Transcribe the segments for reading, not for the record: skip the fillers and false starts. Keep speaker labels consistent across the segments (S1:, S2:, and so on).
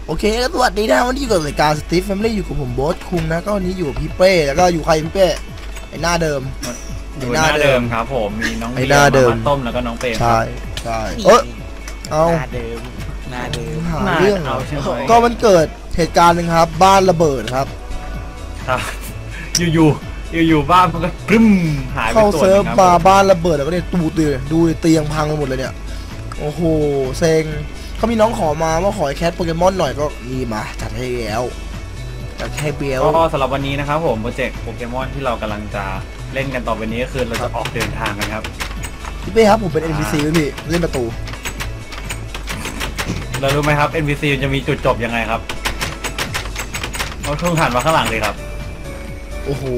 S1: โอเคก็สวัสดีนะวันนี้อยู่กับรายการสตีฟแฟมิลี่อยู่กับผมโบ๊ทคุงนะก็วันนี้อยู่กับพี่เป้แล้วก็อยู่ใครพี่เป้ไอหน้าเดิม
S2: อยู่หน้าเดิมครับผมมีน้องเบียร์มาต้มแล้วก็น้องเปรม
S1: ใช่ใช่เอา
S3: หน้าเดิม
S1: หาเรื่องก็มันเกิดเหตุการณ์หนึ่งครับบ้านระเบิดครับ
S2: อยู่บ้านมันก็ปรึ้มหายไปตัวนึงครับเข้า
S1: เซิร์ฟมาบ้านระเบิดแล้วก็เนี่ยตูดเลยดูเตียงพังไปหมดเลยเนี่ยโอ้โหเซ็งเขามีน้องขอมาว่าขอแคทโปเกมอนหน่อยก็นี่มาจัดให้แล้วจัดให้เบล
S2: ก็สำหรับวันนี้นะครับผมโปรเจกต์โปเกมอนที่เรากำลังจะเล่นกันต่อไปนี้ก็คือเราจะออกเดินทางกันครับ
S1: พี่เป้ครับผมเป็น NPC พี่เล่นประตู
S2: เรารู้ไหมครับ NPC จะมีจุดจบยังไงครับเราทุ่งหันมาข้างหลังเลยครับ
S1: โอ้โห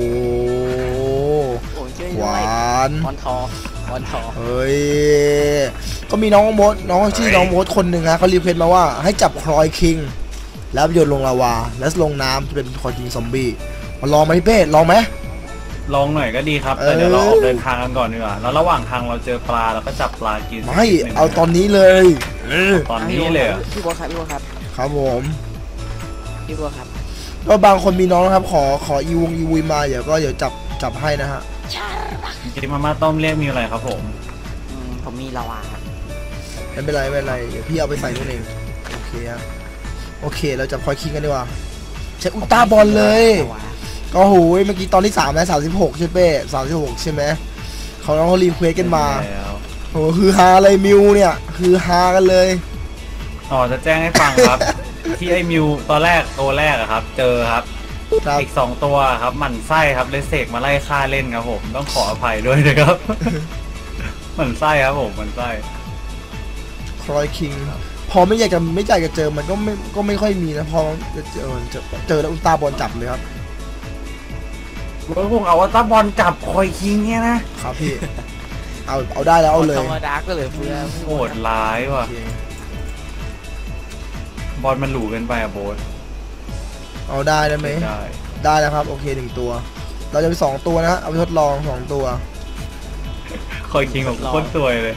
S1: หวาน
S3: วอนทอ
S1: เฮ้ยก็มีน้องมดน้องชื่อน้องมดคนหนึ่งฮะเขารีเควสต์มาว่าให้จับคลอยคิงแล้วโยนลงลาวาแล้วลงน้ำจะเป็นคลอยคิงซอมบี้มาลองไหมพี่เป้ลองไหม
S2: ลองหน่อยก็ดีครับแต่เดี๋ยวเราออกเดินทางกันก่อนดีกว่าแล้วระหว่างทางเราเจอปลาเราก็จับปลากิน
S1: ไม่เอาตอนนี้เลย
S2: ตอนนี้เลย
S3: พี่บัวครับ
S1: ครับผม
S3: พี่บัวครับ
S1: ก็บางคนมีน้องนะครับขออีวุยมาเดี๋ยวจับให้นะฮะ
S2: กินมาม่าต้มเรียกมีอะไรครับ
S3: ผมมีลาวา
S1: ไม่เป็นไรเดี๋ยวพี่เอาไปใส่นู่นเองโอเคฮะโอเคเราจับคอยคิงกันดีกว่าใช้อุลตร้าบอลเลยก็โหเมื่อกี้ตอนที่3นะ36ใช่เป้36ใช่ไหมเขาน้องเขารีเควสกันมาโอ้คือฮาอะไรมิวเนี่ยคือฮากันเลย
S2: จะแจ้งให้ฟังครับ ที่ไอ้มิวตัวแรกอะครับเจอครับอีก2ตัวครับหมั่นไส้ครับเลยเสกมาไล่ฆ่าเล่นครับผมต้องขออภัยด้วยนะครับ หมั่นไส้ครับผมหมั่นไส้
S1: คลอยคิงพอไม่อยากจะเจอมันก็ไม่ค่อยมีนะพอจะเจอแล้วอุลตร้าบอลจับเลยครับ
S2: พวกเอาตาบอลจับคอยคิงเนี่ย
S1: นะครับพี่เอาได้แล้วเอาเลย
S3: ธรรมดาก็เลยเพื่อ
S2: โหดร้ายว่ะบอลมันหลูเกินไปอะโบ๊ท
S1: เอาได้ไหมได้แล้วครับโอเค1ตัวเราจะไป2ตัวนะเอาไปทดลอง2ตัว
S2: คอยคิงของโคตรสวยเลย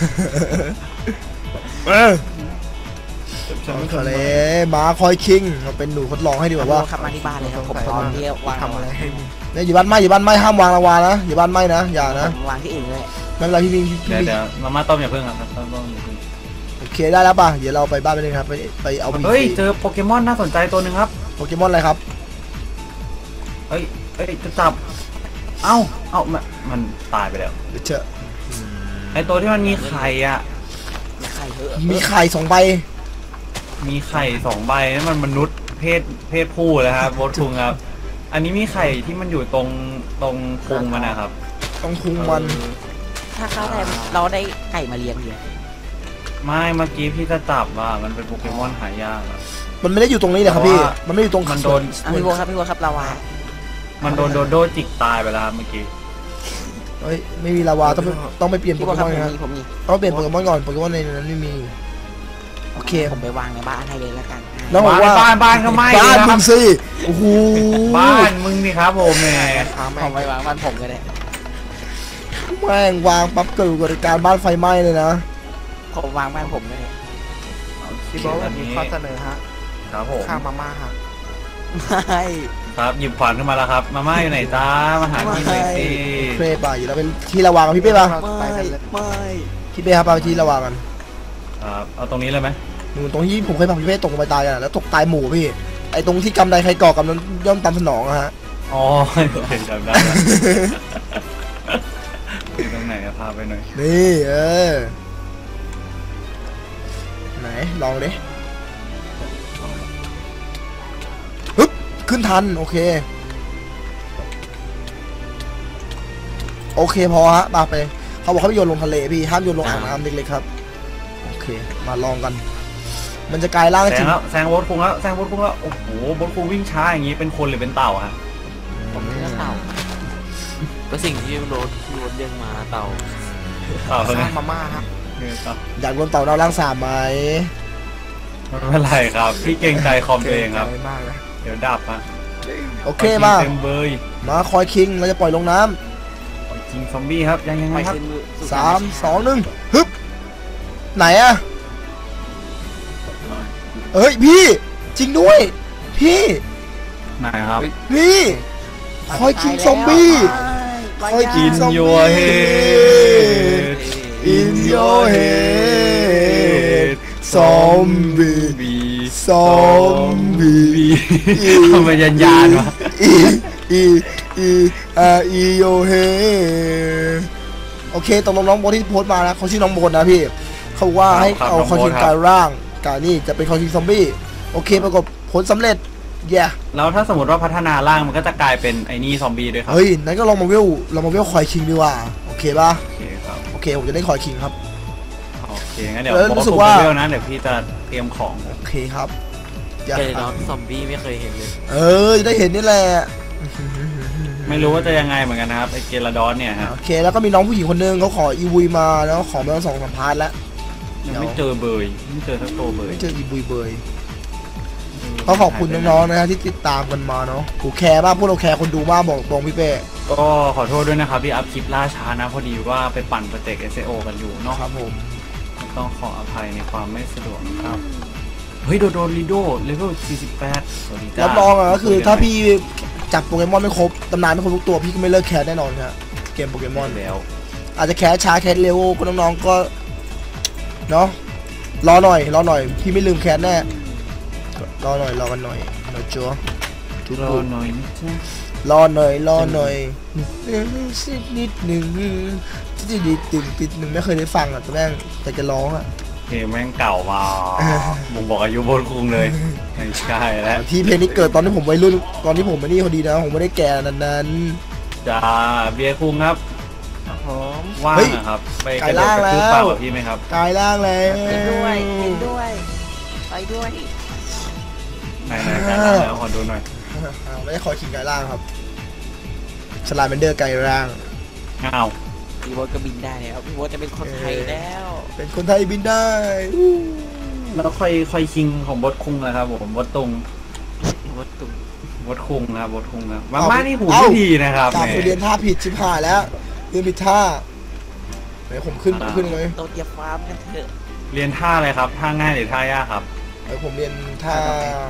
S1: มาคอยคิงเราเป็นหนูทดลองให้ดีกว่า
S3: ขับมาที่บ้านเลยครับผมตอนที่วางอะไร
S1: เนี่ยอยู่บ้านไม่ห้ามวางระวานะอยู่บ้านไม่นะอย่านะ
S3: วางที่อื่นเลย
S1: ไม่เป็นไรพี่
S2: เดี๋ยวมาม่าต้มอย่าเพิ่งครับต้ม
S1: โอเคได้แล้วป่ะเดี๋ยวเราไปบ้านไปเลยครับไปเอา
S2: เฮ้ยเจอโปเกมอนน่าสนใจตัวหนึ่งครับ
S1: โปเกมอนอะไรครับ
S2: เฮ้ยจะจับเอ้ามันตายไปแล้ว
S1: เจอ
S2: ไอตัวที่มันมีไข่อ่ะ
S1: มีไข่2 ใบ
S2: มีไข่2 ใบนั่นมันมนุษย์เพศผู้แล้วครับโบทคุงครับอันนี้มีไข่ที่มันอยู่ตรงพุงมันนะครับ
S1: ตรงพุงมัน
S3: ถ้าเขาได้เราได้ไก่มาเลี้ยงเดียว
S2: ไม่เมื่อกี้พี่จะจับว่ามันเป็นโปเกมอนหายาก
S1: มันไม่ได้อยู่ตรงนี้เลยครับพี่มันไม่อยู่ตรง
S2: มันโดน
S3: พี่บัวครับลาวา
S2: มันโดนโดโดจิกตายไปแล้วเมื่อกี้
S1: เฮ้ยไม่มีลาวาต้องไปเปลี่ยนโปเกมอนครับต้องเปลี่ยนโปเกมอนก่อนโปเกมอนในนั้นไม่มีโอเค
S3: ผมไปวางในบ้านให้เลยแล้วกัน
S1: แล้วบอกว่า
S2: บ้านก็ไม่
S1: บ้านมึงสิโอ้โห
S2: บ้านมึงนี่ครับผมแหม
S3: ผมไปวางบ้านผมก็ได้
S1: แม่งวางปั๊บเกิดอุบัติการบ้านไฟไหม้เลยนะ
S3: ผมวางบ้านผมเลย
S1: พี่บอกว่ามีข้อเสนอฮะ
S2: ครับผม
S1: ข้าวมาม่าฮะ
S3: ไม่
S2: ครับหยิบขวานขึ้นมาแล้วครับมาม่าอยู่ไหนจ้ามาหาที่ไหนสิ
S1: เป้ป่ะอยู่แล้วเป็นที่ระวังพี่เป้ป่ะ
S3: ไม่
S1: พี่เป้ครับเอาที่ระวังกัน
S2: เอาตรงนี้เลยไหม
S1: ตรงที่ผมเคยพาพี่เป้ตกลงไปตายกันแล้วตกตายหมู่พี่ไอตรงที่กำใดใครก่อกำนั้นย่อมตามสนองอะฮะ
S2: อ๋อเห็นจำได้ที่ตรงไหนพาไปหน่อย
S1: นี่ไหนลองดิฮึบขึ้นทันโอเคพอฮะมาไปเขาบอกเขาไม่โยนลงทะเลพี่ห้ามโยนลงอ่างน้ำเล็กๆครับโอเคมาลองกันมันจะกลายร่างจริง
S2: แซงบดคุงแล้วโอ้โหบดคุงวิ่งช้าอย่างนี้เป็นคนหรือเป็นเต่าฮะ
S3: ผมเป็นเต่าก็สิ่งที่โรดเรียกมาเต่า
S1: มาม่าครับอยากโดนเต่าเราร่าง3ไหม
S2: ไม่เป็นไรครับพี่เก่งใจคอมเองครับเดี๋ยวดับฮะ
S1: โอเคมาคอยคิงเราจะปล่อยลงน้
S2: ำคิงซอมบี้ครับยังไงครับ
S1: 3 2 1ฮึบไหนอะเฮ้ยพี่จริงด้วยพี่
S2: ไหนครับ
S1: นี่คอยคิงซอมบี้คอยคิง
S2: In
S1: ซอม
S2: your
S1: บี้
S2: head
S1: In your head ซอมบี้ซอมบี้
S2: ทำไมยันยานวะ
S1: อีโยเฮโอเคตกลงน้องโบทที่โพสต์มานะเขาชื่อน้องโบทนะพี่เขาว่าให้เอาคอยคิงกายร่างกายนี่จะเป็นคอยคิงซอมบี้โอเคปรากฏผลสำเร็จแย่
S2: แล้วถ้าสมมติว่าพัฒนาร่างมันก็จะกลายเป็นไอ้นี่ซอมบี้ด้วยครับ
S1: เฮ้ยนั้นก็ลองมาเวลคอยคิงดีกว่าโอเคป่ะ
S2: โอเคครับ
S1: โอเคผมจะได้คอยคิงครับ
S2: โอเคงั้นเดี๋ยว
S1: แล้ว
S2: ผม
S1: รู้สึก
S2: ก็
S1: ว่า
S2: เวลนะเดี๋ยวพี่จะเตรียมของ
S1: โอเคครับอย่า
S3: เจอน้องซอมบี้ไม่เคยเห็นเลย
S1: จะได้เห็นนี่แหละ
S2: ไม่รู้ว่าจะยังไงเหมือนกันนะครับไอเกลาดอนเนี่ยฮะ
S1: โอเคแล้วก็มีน้องผู้หญิงคนนึงเขาขออีวุยมาแล้วขอมา2-3พาร์ทแล้ว
S2: ยังไม่เจอเบยไม่เจอสักตัวเบย
S1: ไม่เจออีวุยเบยเขาขอบคุณน้องๆนะฮะที่ติดตามกันมาเนาะกูแคร์มากพวกเราแคร์คนดูมากบอกตรงพี่เป้
S2: ก็ขอโทษด้วยนะครับที่อัพคลิปล่าช้านะพอดีว่าไปปั่นโปรเจกต์ SEO กันอยู่เนาะ
S1: ครับผม
S2: ต้องขออภัยในความไม่สะดวกครับเฮ้ยโดนลิโดเลเวล48สวัสดีจ้า
S1: รับรองอ่ะก็คือถ้าพี่จับโปเกมอนไม่ครบตำนานไม่ครบทุกตัวพี่ก็ไม่เลิกแคร์แน่นอนครับเกมโปเกมอน
S2: แล้ว
S1: อาจจะแคร์ช้าแคร์เร็วก็น้องๆก็เนาะรอหน่อยพี่ไม่ลืมแคร์แน่รอกันหน่อยนะจ๊ะทุก
S2: รอ
S1: คน
S2: หน่อยนะจ๊ะ
S1: รอหน่อยนิดหนึ่งที่ดีติดหนึ่งไม่เคยได้ฟังอ่ะแต่แม่งแต่จะร้องอ่ะ
S2: เพลงแม่งเก่ามาบ่งบอกอายุบนคุงเลยไม่ใช่แล้ว
S1: ที่เพลงนี้เกิดตอนที่ผมวัยรุ่นตอนที่ผมไม่นี่พอดีนะผมไม่ได้แก่นั้น
S2: จ้าเบียร์คุงครับ
S3: ผม
S2: ว่าง
S1: เฮ้ย
S2: อะครับไป
S1: ไก่
S2: กระโดด
S1: ล่าง
S2: กระทืบ
S1: แล้ว
S2: ปากกับพี่ไหมครับ
S1: กายล่างแล้ว
S3: กินด้วยไปด้วย
S2: ไหนๆกันแล้วขอดูหน่อย
S1: ไม่ได้คอยขิงกายล่างครับสลาเมนเดอร์กายล่าง
S2: อ้าว
S3: พี่โบทก็บินได้แล้วพี่โบทจะเป็นคนไทยแล้ว
S1: เป็นคนไทยบินได้
S2: แล้วค่อยคิงของบดคุงนะครับผมบดตุง
S3: พี่โบทตุ่ม
S2: บดคุงครับบดคุงครับมาม่านี่หูไม่ดีนะครับ
S1: กลับไปเรียนท่าผิดชิบหายแล้วเรียนผิดท่าไหนผมขึ้นเลย
S3: โดดเหยียบฟาร์มกันเถอะ
S2: เรียนท่าอะไรครับท่าง่ายหรือท่ายากครับ
S1: ผมเรียนท่า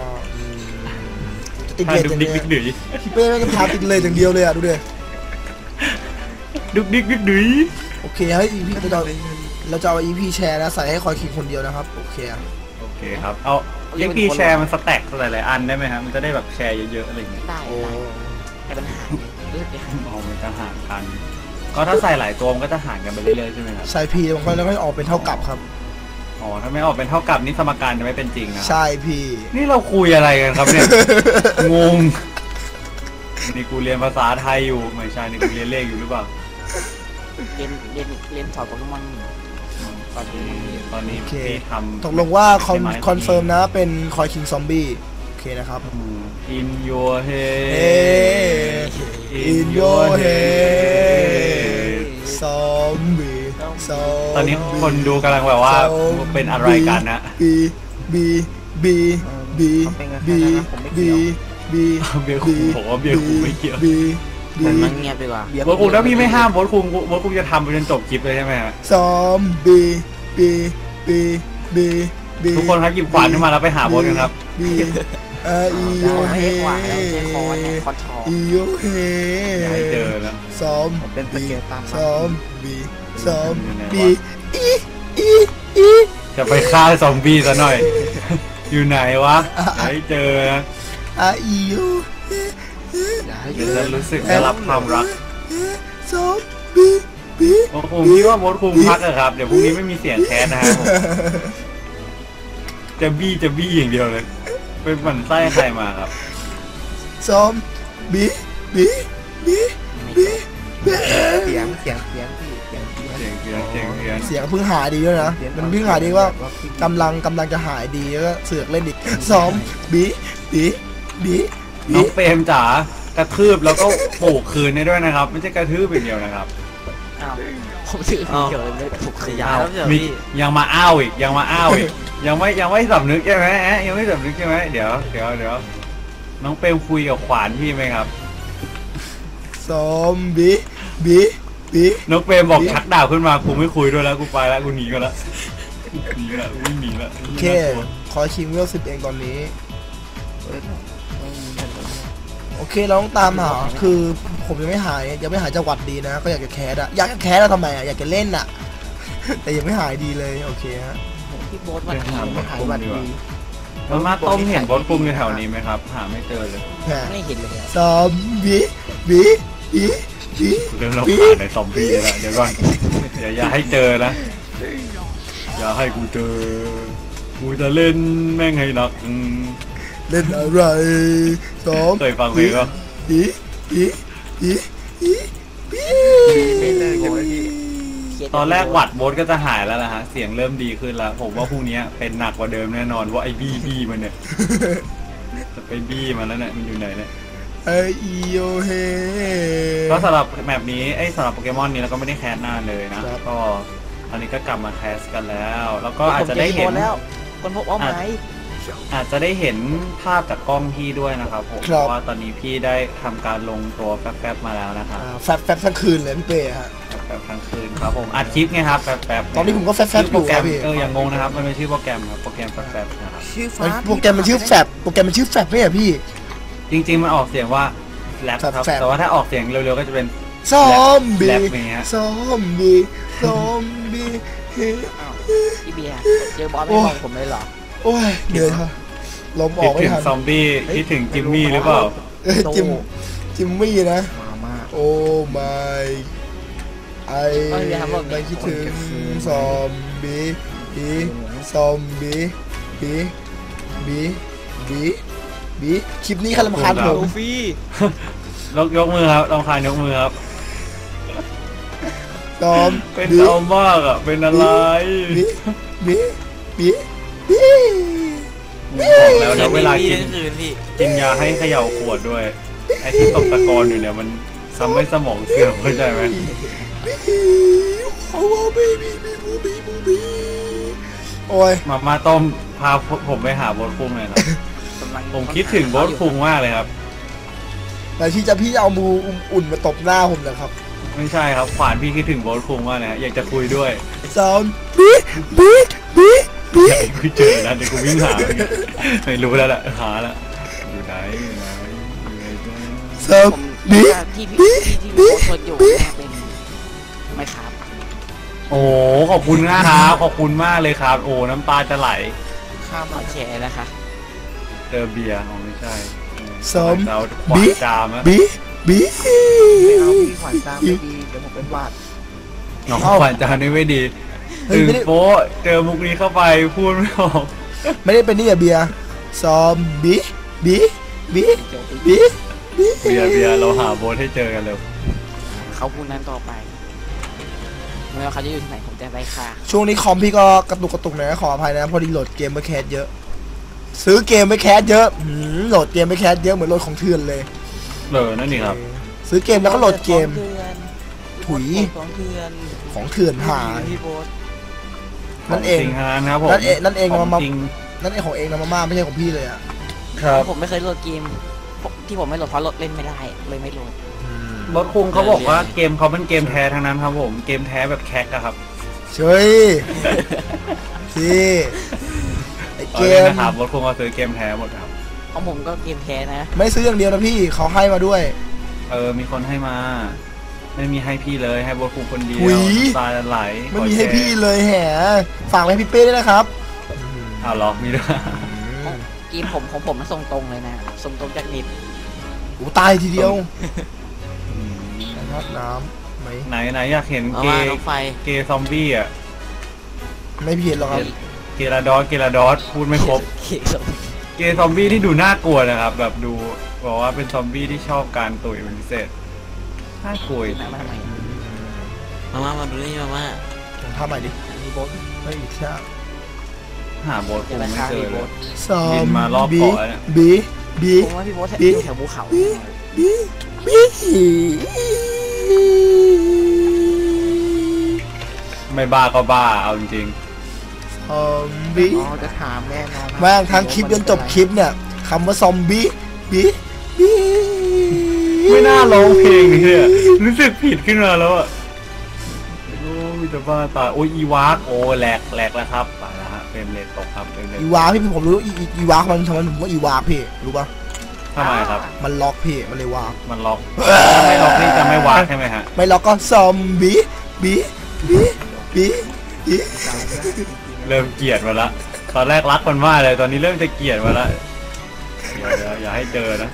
S1: ติด
S2: ท่า
S1: เลท
S2: ดุ
S1: อก ย่าง
S2: ดิ
S1: เดี
S2: ก
S1: ยว
S2: ดิกดื้อ
S1: พี่เป้ไม่ก็พาติดเลทอย่างเดียวเลยอ่ะดูดิ
S2: ดุกดิกดิกดื้อ
S1: โอเคให้ EP เราจะเอา EP แชร์นะใส่ให้คอยคิงคนเดียวนะครับโอเค
S2: โอเคครับเอาเอ็กพีแชร์มันสแต็กหลายๆอันได้ไหมครับมันจะได้แบบแชร์เยอะๆอะไรอย่างเงี้ย
S3: ได้
S1: โอ้
S3: แต่ปัญหาเลือดไปหา
S2: เอามันจะหารกันก็ถ้าใส่หลายตัวมันก็จะหารกันไปเรื่อยๆใช่ไหมครับ
S1: ใช่พี่บางคนแล้วก็ออกเป็นเท่ากับครับ
S2: อ๋อถ้าไม่ออกเป็นเท่ากับนี่สมการจะไม่เป็นจริงนะ
S1: ใช่พี่
S2: นี่เราคุยอะไรกันครับเนี่ย งงนี่กูเรียนภาษาไทยอยู่ไม่ใช่นี่กูเรียนเลขอยู่หรือเปล่า
S3: เรียนสอบโปเกมอนตอนนี้
S2: ตอนนี้พี่ทำ
S1: ตกลงว่าคอนเฟิร์มนะเป็นคอยคิงซอมบี้โอเคนะครับ
S2: In your
S1: เฮ้
S2: head
S1: In your head ซอมบี้ซอมบี้
S2: ตอนนี้คนดูกำลังแบบว่าเป็นอะไรกันนะ
S1: บีบี
S2: เบียร์คุงผมว่าเบียร์คุงไม่เกี่ยว
S1: บี
S3: มันมาเงียบดีกว่า
S2: บอสคุงถ้าพี่ไม่ห้ามบอสคุงจะทำไปจนจบคลิปเลยใช่ไหมฮะ
S1: ซอมบี้บีบี
S2: ทุกคนครับหยิบขวานขึ้นมาแล้วไปหาบอสกันครับ
S1: บีอีโย
S3: เอา
S1: เฮ
S3: ให้กว่าแล้วใช้คอนเนี่ยคอนทอง
S1: อีโยเฮ
S2: อย่าให้เจอนะ
S1: ซ้อม
S3: เป็นสเกลตาม
S1: ซ้อมบีซ้อม
S2: อยู่ไหนวะ
S1: บีอี
S2: จะไปฆ่าซอมบี้ซะหน่อย อยู่ไหนวะอย่าให้เจอนะ
S1: อีโย
S2: เดี๋ยวจะรู้สึกได้รับความรัก
S1: ซ้อมบี
S2: บอสคุงพี่ว่าบอสคุงพักอะครับเดี๋ยวพรุ่งนี้ไม่มีเสียงแคสนะครับผมจะบี้อย่างเดียวเลยเป็นหมั่นไส้ใครมาครับ
S1: ซ้อมบี
S4: เสียงพี่เสียง
S1: เสียงเพิ่งหายดีด้วยนะมันเพิ่งหายดีว่ากำลังจะหายดีแล้วก็เสือกเล่นอีกซ้อมบี
S2: น้องเปรมจ๋ากระทืบแล้วก็ปลูกคืนได้ด้วยนะครับ ไม่ใช่กระทืบอย่างเดียวนะครับ
S3: อ้าวผมถือเกี่ยวเลยถูกขยายแล้วเดี๋ยว
S2: มี
S3: พี่
S2: ยังมาอ้าวอีกยังไม่สำนึกใช่ไหมยังไม่สำนึกใช่ไหมเดี๋ยวน้องเปรมคุยกับขวานพี่ไหมครับ
S1: ซ้อมบี
S2: น้องเปรมบอกชักดาบขึ้นมากูไม่คุยด้วยแล้วกูไปแล้วกูหนีกันแล้วกูวิ่งหนีแล้ว
S1: โอเคคอยคิงเวล10เองตอนนี้โอเคเราต้องตามหาคือผมยังไม่หายจังหวัดดีนะก็อยากจะแคสอะอยากจะแคสอะทำไมอะอยากจะเล่นอะแต่ยังไม่หายดีเลยโอเคฮะ
S3: พี่โบ๊ทวัน
S2: เดิน
S3: นี้
S2: หาบ
S4: ไม่
S2: ด
S4: หาย
S2: คุม
S4: วัน
S2: ดีก
S4: ดี
S2: ว่ามาต้มเห็นบดคุมอยู่แถวนี้ไหมครับ หาไม่เจอเลย
S1: แหม
S3: ไม่เห็นเลยอะ
S1: ซอมบี้บีบีบี
S2: เรื่องเราผ่านในซอมบี้แล้วเดี๋ยวก่อนอย่าให้เจอนะอย่าให้กูเจอกูจะเล่นแม่งให้หนัก
S1: เล่นอะไรซอม
S2: เคยฟังเพลงป่ะ
S1: บีบีบีบีบี
S4: ไม่เลิกเลยพี่
S2: ตอนแรกหวัดโบสก็จะหายแล้วนะฮะเสียงเริ่มดีขึ้นแล้วผมว่าพรุ่งนี้เป็นหนักกว่าเดิมแน่นอนว่าไอ้บี้มันเนี่ยจะไปบี้มันแล้วเนี่ยมันอยู่ไหนเนี่ย
S1: ไอโอเฮ
S2: ก็สำหรับแมปนี้สำหรับโปเกมอนนี้เราก็ไม่ได้แคสนานเลยนะก็ตอนนี้ก็กลับมาแคสกันแล้วแล้วก็อาจจะได้เห็น
S3: แล้วคนพบว่าไหม
S2: อาจจะได้เห็นภาพจากกล้องพี่ด้วยนะครับผมเพราะว่าตอนนี้พี่ได้ทำการลงตัวแฟบๆมาแล้วนะครับ
S1: แฟบทั้งคืนเลยพี่เป้ฮะ
S2: แฟบทั้งคืนครับผมอัดคลิปไงครับแฟบๆ
S1: ตอนนี้ผมก็แฟบ
S2: ชื่อ
S1: อ
S2: โปร
S1: ยู่
S2: แกร
S1: ครั
S2: ม
S1: บพี่
S2: อย่างงงนะครับมันเป็นชื่อโปรแกรมครับโปรแกรมแฟบๆนะครับ
S4: ชื่อฟ้า
S1: โปรแกรมมันชื่อแฟบโปรแกรมมันชื่อแฟบไม่ใช่พี่
S2: จริงๆมันออกเสียงว่าแรปครับ
S1: แฟบๆ
S2: แต่ว่าถ้าออกเสียงเร็วๆก็จะเป็น
S1: ซอมบี้
S2: แรปอย่างเงี้ย
S1: ซอมบี้ซอมบี้เฮ้
S3: พี่เบียร์เจอบอสไม่มองผมเลยเหรอ
S1: โอ้ยเหนื่อยครับลมอ
S2: คิ
S1: อ
S2: ด
S1: กไม่
S2: ถึง
S1: ทัน
S2: ซอมบี้คิดถึงจิมมี่หรือเปล่า
S1: จิมมี่นะ
S4: มามา
S1: โอ้ my ไอไม่คิดถึงซอมบี้บีซอมบี้บีบีบีบีคลิปนี้ใครรำคาญผม
S4: ฟี่
S2: ยกมือครับลองคานยกมือครับ
S1: ซอม
S2: เป็น
S1: บี
S2: เอามากอ่ะเป็นอะไร
S1: บีบีบีบี
S2: บอกแล้วนะเวลากิน
S3: คืนพี่
S2: กินยาให้เขย่าขวดด้วยไอ้ที่ตกตะกอนอยู่เนี่ยมันทำให้สมองเสื่อมเข้าใจไหม
S1: โอ้บีบีบีบีบีบีโอ้ย
S2: มาต้มพาผมไปหาโบสคุงเลยครับผมคิดถึงโบสคุงมากเลยครับ
S1: แต่ที่พี่จะเอามืออุ่นมาตบหน้าผมเหรอครับ
S2: ไม่ใช่ครับขวานพี่คิดถึงโบสคุงมากเลยฮะอยากจะคุยด้วย
S1: ซอมบีบีบีบี
S2: อยากให้คุยเจอแล้วเดี๋ยวกูวิ่งหามันเนี่ยไม่รู้แล้วแหละหาแล้วอยู่ไหนอยู่ไหนอยู่ไหนจ้า
S1: ซอม
S3: ผม
S1: บี
S3: ที่พี่โบ๊ทคนอยู่เนี่ยเป็นไม่ครับ
S2: โอ้ขอบคุณมากครับขอบคุณมากเลยครับ โอ้น้ำตาจะไหล
S4: ข้าม
S3: มา
S4: มา
S3: แชร์นะคะ
S2: เจอเบียร์อ๋อไม่ใช่
S1: ซอม
S2: เราขวานจามอะ
S1: บีบี
S4: ไม่เอาพี่ขวัญตามไม่ดีเดี๋ยวผมเป็นหวัด
S2: น้องขวานจามนี่ไม่ดี
S1: เฮ้ย
S2: ตื่น
S1: ไม่ได้
S2: โป๊ะเจอมุกนี้เข้าไปพูดไม่ออก
S1: ไม่ได้เป็นนี่อะเบียร์ซอมบีบีบี
S3: โจม
S1: บีบี
S2: เบียร์เราหาโบ๊ทให้เจอกันเร็ว
S3: เขาพูดนั้นต่อไปไม่ว่าเขาจะอยู่ที่ไหนผมจะไล่ฆ่า
S1: ช่วงนี้คอมพี่ก็กระตุกหน่อยนะขออภัยนะพอดีโหลดเกมไปแคสเยอะ ซื้อเกมไปแคสเยอะโหลดเกมไปแคสเยอะเหมือนโหลดของเถื่อนเลย
S2: นั่นนี่ครับ
S1: ซื้อเกมแล้วก็โหลดเกม ถุย
S3: ของเถื่อน
S1: ของเถื่อนหา
S3: พี่โบ๊ท
S1: นั่นเอง
S2: ขจริงทั้งนั้นครับผม
S1: นั่นเอง
S2: ข
S1: มา
S2: จริง
S1: นั่นเองของเองนะมาม่าไม่ใช่ของพี่เลยอ่ะ
S2: ครับ
S3: ผมไม่เคยโหลดเกมที่ผมไม่โหลดเพราะโหลดเล่นไม่ได้เลยไม่โหลด
S2: โบ๊ทคุงเขาบอกว่าเกมเขาเป็นเกมแท้ทั้งนั้นครับผมเกมแท้แบบแคกอะครับ
S1: เฮ้ยพี่ไอเก
S2: เอาเลย
S1: ม
S2: นะครับโบ๊ทคุงเขาซื้อเกมแท้หมดครับ
S3: ของผมก็เกมแท้นะ
S1: ไม่ซื้ออย่างเดียวนะพี่เขาให้มาด้วย
S2: มีคนให้มา ไม่มีให้พี่เลยให้โบ๊ทคุงคนเดียว
S1: หุย
S2: ตาจะไหล
S1: ไม่มีให้พี่เลยแหมฝากไว้ให้พี่เป้ด้วยนะครับ
S2: อ้าวเหรอมีด้วย
S3: เกมผมของผมมันส่งตรงเลยนะส่งตรงจากนิด
S1: อูตายทีเดียว
S2: อืม
S1: นะครับน้ำไหม
S2: ไหนอยากเห็น
S3: เอา
S2: เก
S3: ว่า
S2: ย์
S3: น้องไฟ
S2: เกย์ซอมบี้อ่ะ
S1: ไม่เพียนหรอกครับ
S2: เกลาดอสพูดไม่ครบ
S3: เขียว
S2: เกย์ซอมบี้ที่ดูน่ากลัวนะครับ แบบดูบอกว่าเป็นซอมบี้ที่ชอบการตุ๋ยเป็นพิเศษน่ากลัว
S3: มาทำไมมาดูนี่มา
S1: ผมทำใหม่ดิ
S3: มีโบ๊ท
S1: ไม่อีกใช่
S2: หาโบ๊ทคงไม่เจอเลย
S1: ซอ
S2: บิ
S1: ม
S2: นมารอบ
S1: บี
S2: เกาะแล้วเนี่ย
S1: บีบี
S3: ผมว่าพี่โบ๊ท
S1: บี
S3: อยู่แถวภูเขา
S1: บีบี
S2: ไม่บ้าก็บ้าเอาจริง
S1: ซอมบี้
S4: อ๋อจะถามแน่นอน
S1: แม่งทั้งคลิปจนจบคลิปเนี่ยคำว่าซอมบี้บีบี
S2: ๆไม่น่าร้องเพลงนี้เลยอะรู้สึกผิดขึ้นมาแล้วอ่ะโอ้ยจะบ้าตายโอ้ยอีวากโอ้แหลกแล้วครับไปแล้วฮะรมเรทตกครับเฟรมเรท
S1: อีวาพี่ผมรู้อีวามันทำไมผมว่าอีวาพี่รู้ปะ
S2: ทำไมครับ
S1: มันล็อกพี่มันเลยวา
S2: มันล็อกถ้าไม่ล็อกนี่จะไม่วางใช่ไหมฮะ
S1: ไม่ล็อกก็ซอมบี้บีบีบีบี
S2: เริ่มเกลียดมาละตอนแรกรักมันมากเลยตอนนี้เริ่มจะเกลียดมาละอย่าให้เจอนะ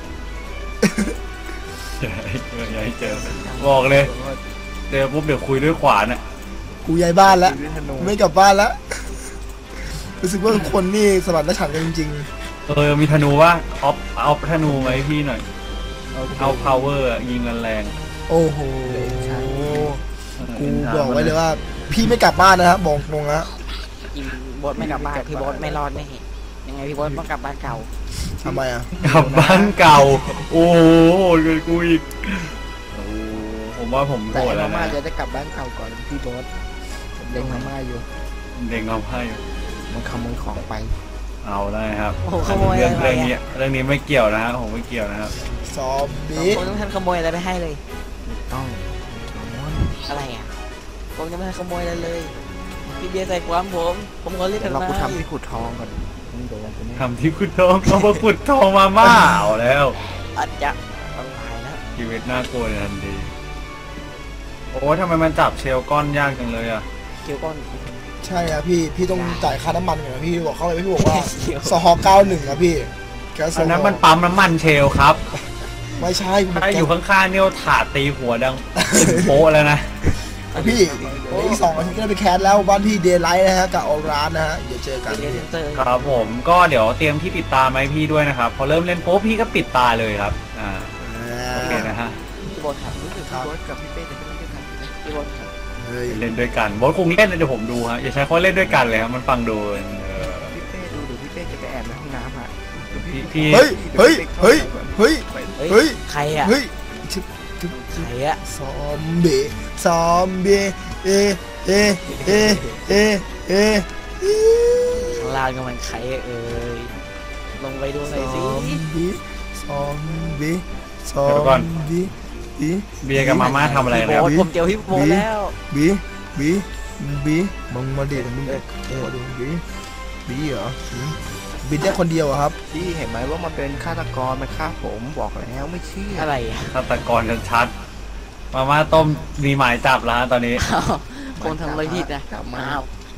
S2: อย่าให้เจอบอกเลยเจอปุ๊บเดี๋ยวคุยด้วยขวานอ่ะ
S1: กูย้ายบ้านแล้ว
S4: ด้วยธนู
S1: ไม่กลับบ้านแล้วรู้สึกว่าทุกคนนี่สมรรถฉันท์กันจริง
S2: มีธนูว่าเอาธนูมาให้พี่หน่อยเอา power ยิงแรง
S1: ๆโอ้โห
S2: ๆ
S1: กูบอกไว้เลยว่า พี่ไม่กลับบ้านนะครับบอกตรงนะ
S3: กินโบสไม่กลับบ้านพี่โบสไม่รอดแน่ยังไงพี่โบสต้องกลับบ้านเก่า
S1: ทำไมอ่ะ
S2: กลับบ้านเก่าโอ้โหเกินกูอีกโอ้ผมว่าผมโก
S4: แต่
S2: รธ
S4: ไอ้
S2: แล้
S4: มาว ม่า
S2: นะ
S4: จะได้กลับบ้านเก่าก่อนพี่โบ๊ทผมเล็งมาม่าอยู่
S2: เด็กเอาให้
S4: มันขโมยของไป
S2: เอาได้ครับ
S3: โอ้โหขโมย
S2: เรื่อง
S3: อะไร
S2: เรื่องนี้ไม่เกี่ยวนะฮะผมไม่เกี่ยวนะครับ
S1: ซอม
S3: ผ
S1: บี้
S3: มต้องทันขโมยอะไรไปให้เลย
S4: ต้อง
S3: อะไรอ่ะผมยังไม่ทันขโมยอะไรเลยพี่เบียร์ใส่ความผมขอเรียก
S4: เดี๋
S3: กั
S4: ย
S3: น
S4: วเรา
S3: มา
S4: กูทำที่ขุดทองก่อนมึงโดนกูแน่
S2: ทำที่ขุดทองเอามาขุดทองมาม่าเอาแล้ว
S3: อาจจะอันตรายนะ
S2: ชีวิตน่ากลัวในทันทีโอ้ยทำไมมันจับเชลก้อนยากจังเลยอ่ะ
S3: เกี่ยวก้อน
S1: ใช่ครับพี่ต้องจ่ายค่าน้ำมันก่อนนะพี่บอกเขาเลยพี่บอกว่า
S3: เกี่ยว
S1: สฮ91ครับพี่แก๊สโซ
S2: อัน
S1: ฮ
S2: นั้นมันปั๊มน้ำมันเชลครับ
S1: ไม่ใช่
S2: ถ้าอยู่ข้างๆเนี่ยถาดตีหัวดังตึงโป๊ะแล้วนะ
S1: พี่อีก2 อาทิตย์ก็ได้ไปแคสแล้วบ้านพี่เดย์ไลท์นะฮะกับออร้านนะฮะเดี๋ยวเจอกัน
S3: เรียนเซนเตอร์
S2: ครับผมก็เดี๋ยวเตรียมที่ปิดตาไหมาให้พี่ด้วยนะครับ พอเริ่มเล่นโป๊พี่ก็ปิดตาเลยครับโอเคนะฮะ
S3: พี่โบสครับ
S4: รู้สึกพี่โบ๊ทกับพี่เป้จะไม่เล่นด้วยกันใช่ไหม
S3: พี่โบสครับ
S1: เฮ้ย
S2: เล่นด้วยกันโบทคงเล่นนะเดี๋ยวผมดูฮะอย่าใช้คำว่าเล่นด้วยกันเลยครับมันฟังดู
S4: พี่เป้ดูเดี๋ยวพี่เป้จะไปแอบในห้องน้ำอ่ะ
S2: พี่
S1: เฮ้ยเฮ้ยเฮ้ยเฮ้ย เฮ้ย
S3: ใครอ่ะ
S1: เฮ้ย
S3: ใครอ่ะ
S1: ซอมบี้ซอมบี้เอเอเอเอเอ
S3: ข้างล่างก็มันใครเอ่ยลงไปดูหน่อยสิ
S1: ซอมบี้ซอมบี้บี
S2: เบียร์กับมาม่าทำอะไร
S3: พี่
S2: แล้ว
S3: โบสผมเจอพี่โบสแล้ว
S1: บีบีบีมึงมาเด็ดมึงมาดูบีเหรอบินได้คนเดียวอะครับ
S4: พี่เห็นไหมว่ามันเป็นฆาตกรมันฆ่าผมบอกแล้วไม่เชื่อ
S3: อะไรอ่ะ
S2: ฆาตกรกันชัดมาม่าต้มมีหมายจับแล้วฮะตอนนี้
S3: อ้าวคนทำอะไรผิดนะ
S4: กลับมา
S3: อ้าว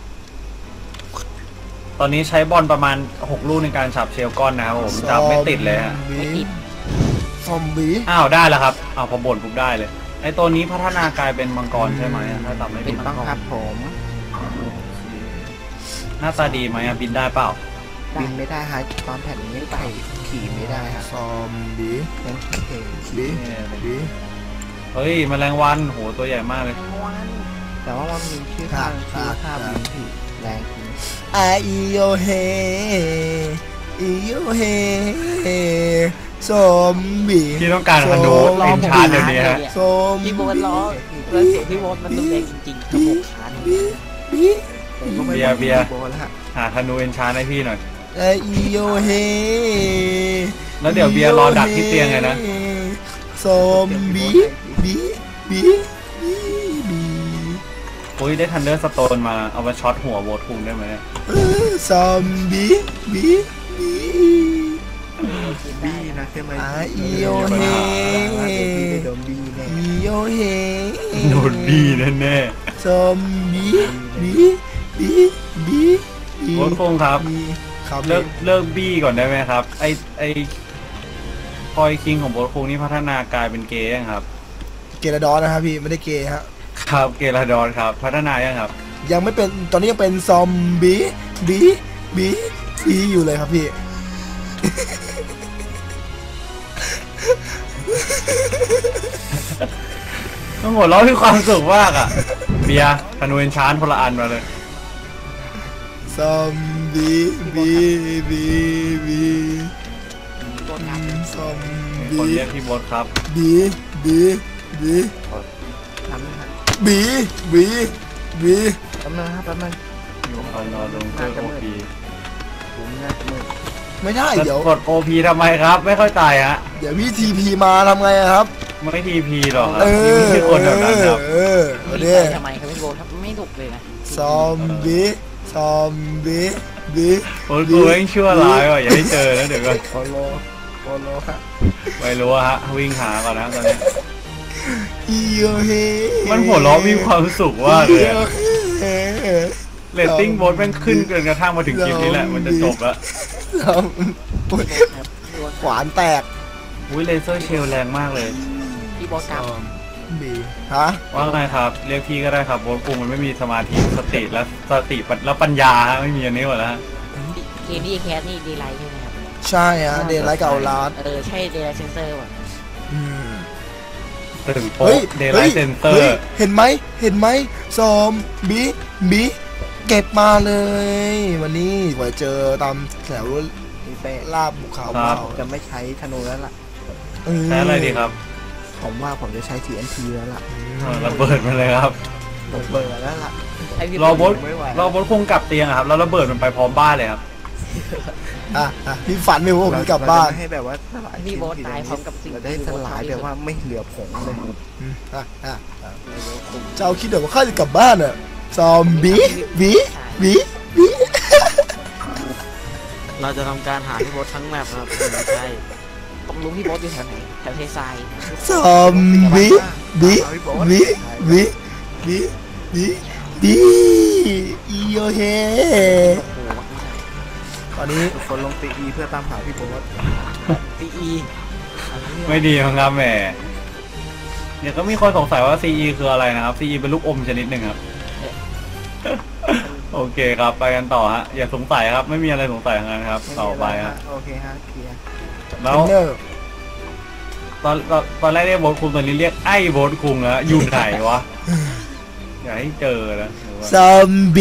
S2: ตอนนี้ใช้บอลประมาณ6ลูกในการฉับเชลก้อนนะครับผมจับไม่ติดเลยฮะ
S3: ไม่ติด
S1: ซอมบี้
S2: อ้าวได้แล้วครับอ้าวพอบ่นปุ๊บได้เลยไอตัวนี้พัฒนากลายเป็นมังกรใช่ไหมถ้าจำไม่
S4: เป็
S2: ผิ
S4: น
S2: ด
S4: ต้องครับผม
S2: หน้าตาดีไหมอะบินได้เปล่า
S4: บินไม่ได้ฮะตอนแผ่นนี้ไข่ขี่ไม่ได้ฮะ
S1: ซอมบี้
S4: ยังเข่ง
S1: บีบี
S2: เฮ้ยแมลงวันโหตัวใหญ่มากเลย
S4: แต่ว่ามันมีชื่อข้างชื่อข้าบินผิดแรงจริง
S1: ไอโยเฮอีโยเฮซอมบี้
S2: ที่ต้องการธนูเอ็นชาร์เดี๋ยวนี้ฮะ
S1: ซอม
S3: พี่โบสล้อแล้วเสียงพี่โบสมันรุนแรงจริงๆกระโปงขาหน
S1: บีบี
S4: ผมก็ไม่
S2: เบียร์เบียร์
S4: โบแล้วฮะ
S2: หาธนูเอ็นชาร์ให้พี่หน่อย
S1: ไอโยเฮ
S2: แล้วเดี๋ยวเบียร์รอดักที่เตียงเลยนะ
S1: ซอมบี้บีบีบีบี
S2: อุ้ยได้ทันเดอร์สโตนมาเอามาช็อตหัวโบทคุงได้ไหม
S1: ซอมบี้บีบี
S4: บี้นะใช่ไหม
S1: ไอโยเฮ
S4: โดนบี้แน่
S1: อีโยเฮ
S2: โดนบีแน่
S1: ซอมบี้บีบีบี
S2: ๆโบทคุงครับ
S1: ครับ
S2: เลิกบี้ก่อนได้ไหมครับไอคอยคิงของโบทคุงนี่พัฒนากลายเป็นเกย์ยังครับ
S1: เกลาดอนนะครับพี่ไม่ได้เกย์ฮะ
S2: ครับเกลาดอนครับพัฒนายังครับ
S1: ยังไม่เป็นตอนนี้ยังเป็นซอมบี้บีบีบีอยู่เลยครับพี่
S2: ต้องหัวเราะที่ความสุขมากอ่ะเบียร์ธนูเอ็นชาร์คนละอันมาเลย
S1: ซอมบี้บีบีบีซอม
S2: คน
S1: บี้
S2: เรียกพี่โบทครับ
S1: บีบีบี
S4: ทำนะครับ
S1: บีบีบี
S4: แป๊บนึงครับแป๊บนึง
S2: เอานอนลงเจอโอพี
S4: ผมน่าจะมืด
S1: ไม่ได้
S2: แล้ว
S1: เดี๋ยว
S2: กดโอพีทำไมครับ ไม่เข้าใจฮะ
S1: เดี๋ยวพี่ทีพีมาทำไงอะครับ
S2: ไม่ทีพีหรอกครับ
S1: เอ
S2: นี่ไม่ใช่คนแบบนั้นครับ
S1: เออ
S3: มี
S1: เนี่ย
S3: ใครทำไมครับพี่โบสครับไม่ถูกเลยนะ
S1: ซอมบี้ซซอมบี้บี
S2: โอ้กูเองชั่วร้ายว่ะอย่าให้เจอแล้วเดี๋ยวก่อน
S4: โปโลฮะ
S2: ไม่รู้อะฮะวิ่งหาก่อนนะตอนนี้
S1: อีโยเฮ
S2: มันหัวเราะมีความสุขว่ากเลยอะ
S1: เฮ้
S2: เรตติ้งโบสแม่งขึ้นจนกระทั่งมาถึงคลิปนี้แหละมันจะจบแล้ว
S1: ซอมขวานแตก
S2: อุ้ยเลเซอร์เชลแรงมากเลย
S3: พี่บอสกรรม
S1: บีฮะ
S2: ว่าไงครับเรียกพี่ก็ได้ครับโบสกูมันไม่มีสมาธิสติและปัญญาฮะไม่มีอันนี้หมดแล้วฮะ
S3: เกมนี้แคสนี่ดีไลท์ใช่ไหมครับ
S1: ใช่ฮะเดนไลท์กับเอาลาส
S3: ใช่เดลเซนเซอร์ว่ะ
S2: ถึงโป๊ะเดย์ไลท์เซนเตอร์
S1: เห็นไหมซอมบีเก็บมาเลยวันนี้ไว้เจอตามแถว
S4: พี่เป้
S1: ลาบภูเขา
S4: ผมจะไม่ใช้ธนูแล้วล่ะ
S2: ใช้อะไรดีครับ
S4: ผมว่าผมจะใช้ TNT แล้วล่ะ
S2: ระเบิดมาเลยครับ
S4: ผมเบื่อแล้วล่ะ
S3: ไอ้พี่
S2: รอบด
S4: ไม่ไหว
S2: รอบดคงกลับเตียงอะครับแล้วระเบิดมันไปพร้อมบ้านเลยครับ
S1: พี่ฝันไม่ว่าผมกลับบ้าน
S4: เรจะไม่ให้แบบว่าสลาย
S3: พี่บอสตายพร้อมกับสิ่ง
S4: เราได้สลายแบบว่าไม่เหลือผงเลย
S1: เจ้าคิดเดี๋ยวว่าข้าจะกลับบ้านอ่ะซอมบี
S3: เราจะทำการหาพี่บอสทั้งแมปครับไม่ใช่ต้องรู้พี่บอสอยู่แถวไหนแถวเททราย
S1: ซอมบีอีโยเฮ
S3: โอ้โห
S1: ตอนนี้
S4: ทุกคนลงตีเพื่อตามหาพี่โบ๊ท
S3: ตีอี
S2: ไม่ดีครับแหมเดี๋ยวก็มีคนสงสัยว่า CE คืออะไรนะครับ CE เป็นลูกอมชนิดหนึ่งครับ โอเคครับไปกันต่อฮะอย่าสงสัยครับไม่มีอะไรสงสัยทั้งนั้นครับต่อไปฮะ
S4: โอเคฮะเคลียร์
S2: แล้วตอนแรกเรียกโบสคุงตอนนี้เรียกไอ้โบสคุงแล้วอยู่ไหนวะอย่าให้เจอนะ
S1: ซอมบี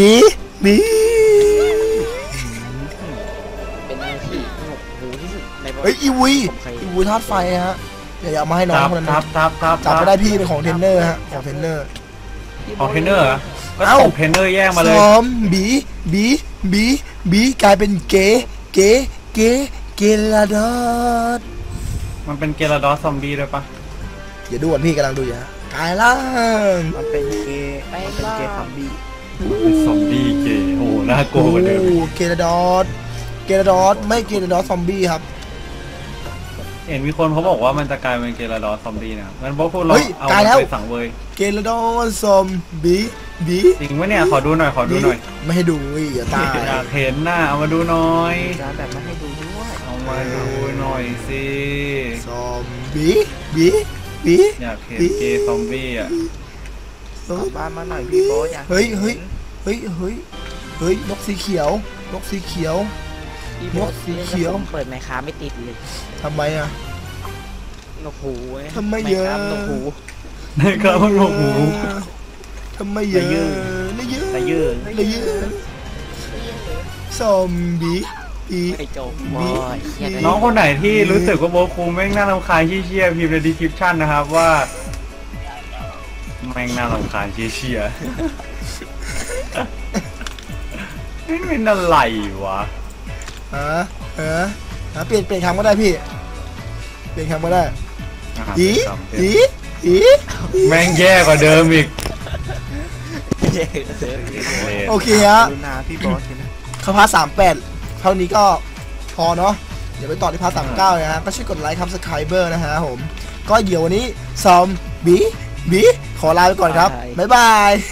S3: เป็นอะไรที่สนุกหูที่สุดในประวั
S1: เฮ้ย
S3: ติ
S1: อีวีธาตุไฟฮะอย่าเอามาให้น้องคนนั้น
S2: ทับ
S1: จับไม่ได้พี่เป็นของเทรนเนอร์ฮะของเทรนเนอร์
S2: ของเทรนเนอร์เหรอก็
S1: เอ้า
S2: ตกเทรนเนอร์แย่งมาเลย
S1: ซอมบีกลายเป็นเกลาดอส
S2: มันเป็นเกลาดอสซอมบี้ด้วยปะ
S1: อย่าดูก่อนพี่กำลังดูอยู่ฮะกลายล่าง
S4: มันเป็นเกย์ซัมบี้
S2: เป็นซอมบี้เกย์โอ้โหน่ากลัวกว่าเดิม
S1: เกลาดอสไม่เกลาดอสซอมบี้ครับ
S2: เห็นมีคนเขาบอกว่ามันจะกลายเป็นเกลาดอสซอมบี้นะครับงั้นพวกคุณเรา
S1: เฮ้ย
S2: เอา
S1: กลายแล้ว
S2: ไปสั่งเวย
S1: เกลาดอสซอมบี้
S2: จริงไหมเนี่ยขอดูหน่อยขอดูหน่อย
S1: ไม่ให้ดูอย่าตาย
S2: อยากเห็นหน้าเอามาดูหน่อย
S4: การแบบมาให้ดูด้วย
S2: เอามาดูหน่อยสิ
S1: ซอมบี้บี
S2: อยากเห็นเกย์ซอมบี้อ่ะ
S4: กลับบ้านมาหน่อยพี่โบ๊ทอยาก
S1: เฮ้ยนกสีเขียว
S3: พี่บอส
S1: นกสีเขียว
S3: เปิดไมค์ค้าไม่ติดเลย
S1: ทำไมอ่ะ
S3: นกหูว้
S1: ทำไมเยอะ
S3: ค์ค้านกหู
S2: นะครับมันบอกหู
S1: ทำไมเยอะนะเยอะซอมบี้
S3: ไอ้โจมบอยเครียดเลย
S2: น้องคนไหนที่รู้สึกว่าโบคูแม่งน่ารำคาญเชี่ยๆพิมพ์ในดีคริปชั่นนะครับว่าแม่งน่ารำคาญเชี่ยๆนี่เป็นอะไรวะ
S1: เปลี่ยนคำก็ได้พี่เปลี่ยนคำก็ได้ อี
S2: แม่งแย่กว่าเดิมอีก
S1: โอเคฮะ
S4: ดูนาพี่โบ๊ทใช่ไหม
S1: เข้าพาร์ท38เท่านี้ก็พอเนาะเดี๋ยวไปต่อที่พาร์ท39นะฮะก็ช่วยกดไลค์ครับสไครเบอร์นะฮะผมก็เดี๋ยววันนี้ซอมบี้ขอลาไปก่อนครับบ๊ายบาย